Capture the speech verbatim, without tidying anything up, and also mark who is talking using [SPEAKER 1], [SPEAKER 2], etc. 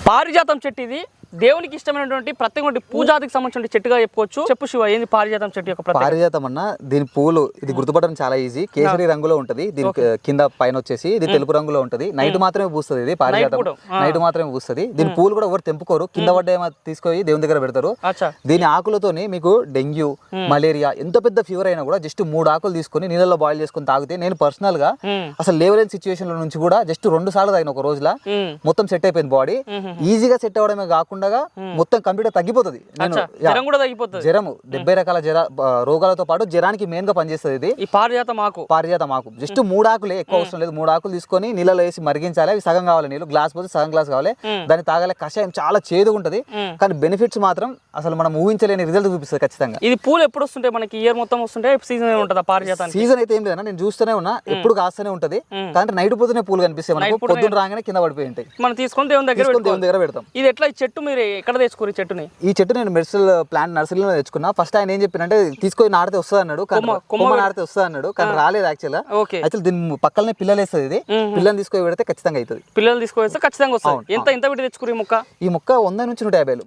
[SPEAKER 1] పారిజాతం చెట్టు ఇది దేవునికి ఇష్టమైనటువంటి ప్రత్యేకమైన పూజాదికి సంబంధించిన చెట్టుగా చెప్పుకోవచ్చు. చెప్పు శివ, ఏంది పారిజాతం చెట్టు యొక్క ప్రత్యేకత?
[SPEAKER 2] పారిజాతం అన్న దీని పూలు ఇది గుర్తుపట్టడం చాలా ఈజీ. కేసరి రంగులో ఉంటది, దీని కింద పైన వచ్చేసి ఇది తెలుపు రంగులో ఉంటది. నైట్ మాత్రమే పూస్తుంది ఇది పారిజాతం, నైట్ మాత్రమే పూస్తుంది. దీని పూలు కూడా ఎవరు తెంపుకోరు, కింద పడ్డ తీసుకొని దేవుని దగ్గర పెడతారు. దీని ఆకులతోని మీకు డెంగ్యూ, మలేరియా, ఎంత పెద్ద ఫీవర్ అయినా కూడా జస్ట్ మూడు ఆకులు తీసుకొని నీళ్ళలో బాయిల్ చేసుకుని తాగితే, నేను పర్సనల్ గా అసలు లేవలేని సిచ్యువేషన్ లో నుంచి కూడా జస్ట్ రెండు సార్లు తాగిన ఒక రోజులా మొత్తం సెట్ అయిపోయింది. బాడీ ఈజీగా సెట్ అవడమే కాకుండా మొత్తం కంప్లీట్ తగ్గిపోతుంది. జ్వరము డెబ్బై రకాల జ్వర రోగాలతో పాటు జ్వరానికి మెయిన్ గా పనిచేస్తుంది ఇది.
[SPEAKER 1] ఈ పారిజాతం ఆకు
[SPEAKER 2] పారిజాతం ఆకు జస్ట్ మూడు ఆకులే, ఎక్కువ అవసరం లేదు. మూడు ఆకులు తీసుకొని నీళ్ళలో వేసి మరిగించాలి. అవి సగం కావాలి, నీళ్ళు గ్లాస్ పోతే సగం గ్లాస్ కావాలి. దాన్ని తాగాలి. కషాయం చాలా చేదుగా ఉంటది, కానీ బెనిఫిట్స్ మాత్రం అసలు మనం ఊహించలేని రిజల్ట్ చూపిస్తుంది ఖచ్చితంగా.
[SPEAKER 1] ఇది పూలు ఎప్పుడు వస్తుంటాయి మనకి? ఇయర్ మొత్తం వస్తుంటే సీజన్ ఉంటుందా పారిజాతం?
[SPEAKER 2] సీజన్ అయితే ఏం లేదన్నా, నేను చూస్తూనే ఉన్నా, ఎప్పుడు కాస్తూనే ఉంటది. కానీ నైట్ పోతేనే పూలు కనిపిస్తాయి మనకు, పొద్దున రాగానే కింద పడిపోయి ఉంటాయి.
[SPEAKER 1] మనం తీసుకొని దేవుని దగ్గర
[SPEAKER 2] దేవుని దగ్గర పెడతాం.
[SPEAKER 1] ఇది ఎట్లా? ఈ చెట్టు మీరు ఎక్కడ తెచ్చుకోరు? చెట్టుని
[SPEAKER 2] ఈ చెట్టు నేను మెడిసినల్ ప్లాంట్ నర్సరీలో తెచ్చుకున్నా. ఫస్ట్ ఆయన ఏం చెప్పినంటే తీసుకొని నాటితే వస్తుంది అన్నాడు, కొమ్మ నాటితే వస్తుంది అన్నాడు, కానీ రాలేదు. యాక్చువల్ యాక్చువల్ దీని పక్కనే పిల్లలు వేస్తుంది. ఇది పిల్లలు తీసుకొని పెడితే ఖచ్చితంగా అవుతుంది.
[SPEAKER 1] పిల్లలు తీసుకొని ఖచ్చితంగా వస్తుంది. ఎంత ఎంత పెట్టి తెచ్చుకోరు ఈ మొక్క?
[SPEAKER 2] ఈ మొక్క వంద నుంచి నూట యాభై